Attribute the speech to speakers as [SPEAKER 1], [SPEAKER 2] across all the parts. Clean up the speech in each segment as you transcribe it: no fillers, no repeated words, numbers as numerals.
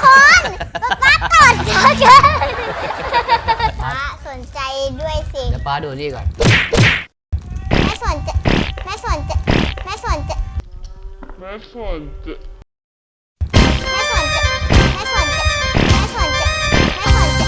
[SPEAKER 1] คนป๊าตดเยอะป๊าสนใจด้วยสิ
[SPEAKER 2] เดี๋ยวป้าดูนี่ก่อน
[SPEAKER 1] แม่สนใจแม่สนใจแม่สนใจแม่สนใจแม่สนใจแม่สนใจแม่สนใจแม่สนใจ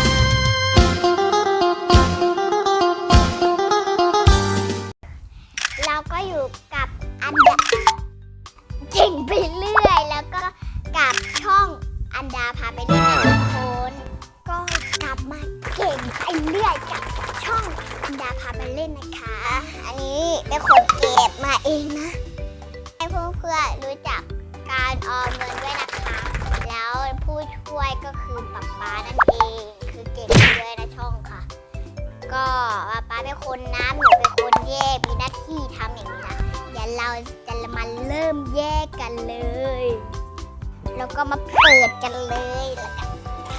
[SPEAKER 1] เราก็อยู่กับอันดาเก่งไปเรื่อยแล้วก็กับช่องอันดาพาไปเล่นนะทุกคนก็กลับมาเก่งไปเรื่อยกับช่องอันดาพาไปเล่นนะคะอันนี้เป็นคนเก็บมาเองนะให้เพื่อนๆรู้จักการออมเงินด้วยนะคะแล้วผู้ช่วยก็คือป๊านั่นเองคือเก่งด้วยนะช่องค่ะก็ป๊าเป็นคนน้ำหนูเป็นคนแยกมีหน้าที่ทำอย่างนี้นะเดี๋ยวเราจะมาเริ่มแยกกันเลยแล้วก็มาเปิดกันเลยแล้วก็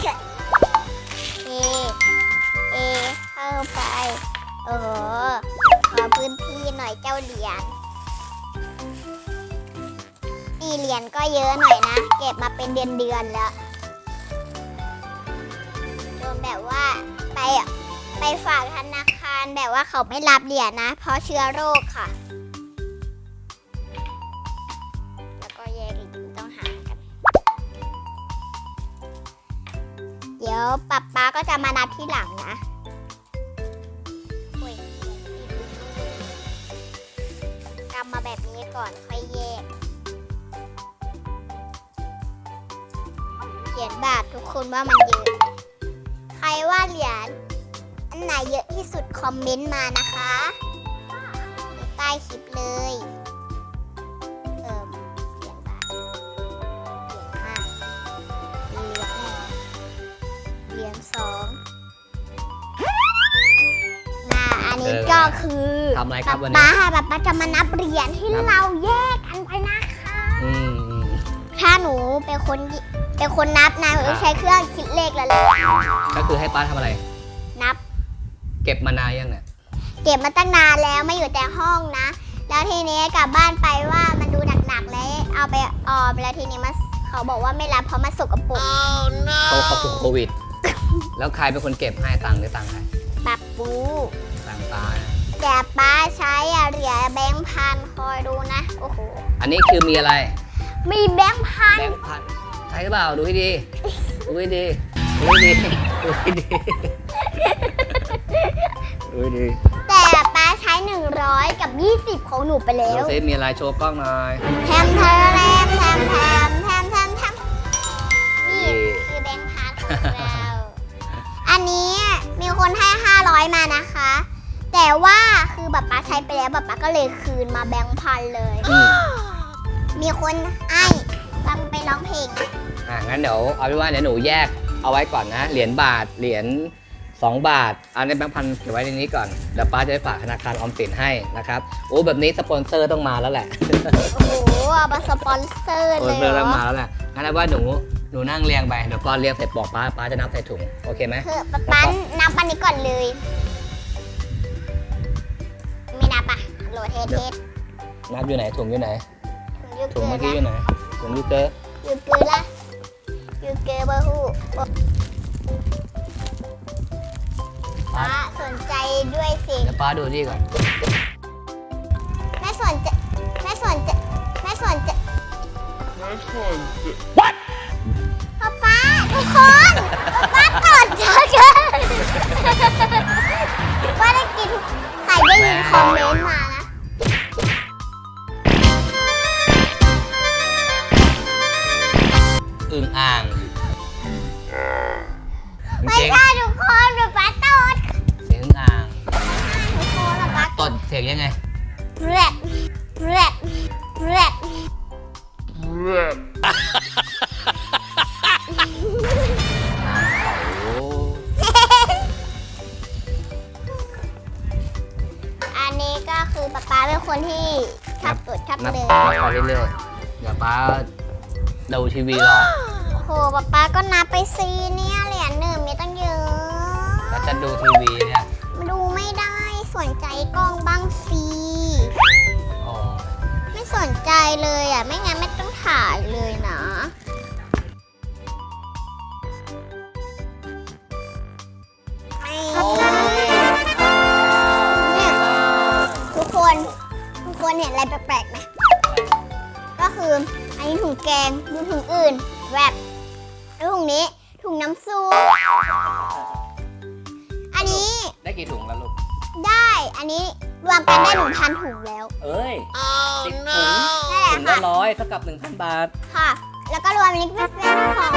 [SPEAKER 1] เข้าไปโอ้โหขอพื้นที่หน่อยเจ้าเหรียญนี่เหรียญก็เยอะหน่อยนะเก็บมาเป็นเดือนแล้วจนแบบว่าไปฝากธนาคารแบบว่าเขาไม่รับเหรียญนะเพราะเชื้อโรคค่ะแล้วก็แยกอีกต้องหากันเดี๋ยวป๊าก็จะมานับที่หลังนะกำมาแบบนี้ก่อนค่อยแยกเหรียญบาททุกคนว่ามันเยอะใครว่าเหรียญอันไหนเยอะที่สุดคอมเมนต์มานะคะใต้คลิปเลยเหรียญบาทเหรียญ5เหรียญ2อันนี้ก็คือ
[SPEAKER 2] ทำอะไรครับวันนี้
[SPEAKER 1] ป๊าจะมานับเหรียญที่เราแยกกันไปนะคะถ้าหนูเป็นคนนับนะหนูต้องใช้เครื่องคิดเลขแล้ว
[SPEAKER 2] ก็คือให้ป้าทำอะไร
[SPEAKER 1] นับ
[SPEAKER 2] เก็บมานานยังเนี่ย
[SPEAKER 1] เก็บมาตั้งนานแล้วไม่อยู่แต่ห้องนะแล้วทีนี้กลับบ้านไปว่ามันดูหนักๆแล้วเอาไปออมแล้วทีนี้เขาบอกว่าไม่รับเพราะมันสกปรก
[SPEAKER 2] เขาติดโควิดแล้วใครเป็นคนเก็บให้ตังค์หรือตังค์ใคร
[SPEAKER 1] ป๊าปู
[SPEAKER 2] ตังค์ป้า
[SPEAKER 1] แต่ป้าใช้เหรียญแบงค์พันคอยดูนะโอ้โห
[SPEAKER 2] อันนี้คือมีอะไร
[SPEAKER 1] มีแบงค์พัน
[SPEAKER 2] ใช่หรือเปล่าดูให้ดีดูให้ดีดูให้ดีดูให้ดีดูให้ดี
[SPEAKER 1] แต่ป้าใช้100กับ20ของหนูไปแล้ว
[SPEAKER 2] ดูซิมีอะไรโชว์กล้องหน่อย
[SPEAKER 1] แทมนี่คือแบงค์พันของเราอันนี้มีคนให้500มานะคะแต่ว่าคือป๊าใช้ไปแล้วป๊าก็เลยคืนมาแบงค์พันเลยมีคนให้ฟังไปร้องเพลง
[SPEAKER 2] งั้นเดี๋ยวเอาเป็นว่าเดี๋ยวหนูแยกเอาไว้ก่อนนะเหรียญบาทเหรียญ2 บาทเอาในแบงค์พันเก็บไว้ในนี้ก่อนเดี๋ยวป้าจะไปฝากธนาคารออมสินให้นะครับโอ้แบบนี้สปอนเซอร์ต้องมาแล้วแหละ
[SPEAKER 1] โอ้โหเอามาสปอนเซอร์เลย
[SPEAKER 2] ต้องมาแล้วแหละงั้นเอาว่าหนูนั่งเรียงไปเดี๋ยวป้าเรียงเสร็จบอกป้าจะนับใส่ถุงโอเคไหม
[SPEAKER 1] คือป้านับอันนี้ก่อนเลยไม่นับอ่ะโหลดเทส
[SPEAKER 2] นับอยู่ไหนถุงอยู่ไหนถุงเมื่อกี้อยู่ไหนถุงยูเกอร์
[SPEAKER 1] ละยูเกอร์บะฮูป้าสนใจด้วยสิ
[SPEAKER 2] เดี๋ยวป้าดูนี่ก่อน
[SPEAKER 1] แม่สนใจ
[SPEAKER 2] What
[SPEAKER 1] ป๊าทุกคนป๊าตดเยอะป้าได้กินใครได้ยินคอมเมนต์มานะ
[SPEAKER 2] อึ่งอ่าง
[SPEAKER 1] ไม่ใช่ทุกคนแบบป๊าตด
[SPEAKER 2] เสียงอึ่งอ่าง
[SPEAKER 1] ทุกคนแบบป๊า
[SPEAKER 2] ตดเสียงยังไง
[SPEAKER 1] แรดอันนี้ก็คือป๊าเป็นคนที่ชับตดชับเลย
[SPEAKER 2] ไปเรื่อยๆเดี๋ยวป้าดูทีวีรอ
[SPEAKER 1] โอ้โหป๊าก็นับไปซีเนี่ยเหรียญหนึ่งมีตั้งเยอะ
[SPEAKER 2] แล้วจะดูทีวีเนี่ย
[SPEAKER 1] ดูไม่ได้สนใจกล้องบ้างสิไม่สนใจเลยอ่ะไม่งั้นไม่ต้องถ่ายเลยนะคือ อันนี้ถุงแกงดูถุงอื่นแบบแล้วถุงนี้ถุงน้ำซุปอันนี้
[SPEAKER 2] ได้กี่ถุงแล้วลูก
[SPEAKER 1] ได้อันนี้รวมกันได้1,000 ถุงแล้ว
[SPEAKER 2] เอ้ย10 ถุง
[SPEAKER 1] นั่นแหละ
[SPEAKER 2] ถุงละ
[SPEAKER 1] ค่ะ
[SPEAKER 2] 100เท่ากับ 1,000 บาท
[SPEAKER 1] ค่ะ แล้วก็รวมอันนี้เป็น2,000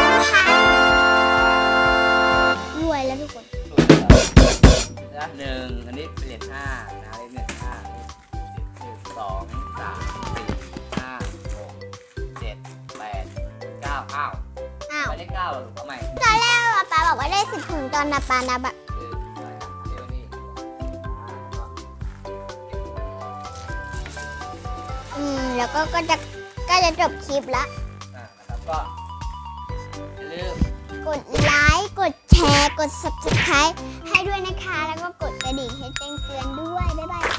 [SPEAKER 1] รวยแล้วทุกคน
[SPEAKER 2] นะหนึ่งอันนี้เป็นเหรียญ5นะเหรียญ5 1 2 3 4 5 6 7 8 9อ้าว
[SPEAKER 1] อ้าว
[SPEAKER 2] ไม่ได้9หรอลูกเอาใหม่
[SPEAKER 1] ตอนแรกป๊าบอกว่าได้10 ถุงตอนนับปานับอะ แล้วก็จะจบคลิปละ
[SPEAKER 2] นะครับก็อย่าลืม
[SPEAKER 1] กดไลค์ กดแชร์ กด subscribe ให้ด้วยนะคะ แล้วก็กดกระดิ่งให้แจ้งเตือนด้วย บ๊ายบาย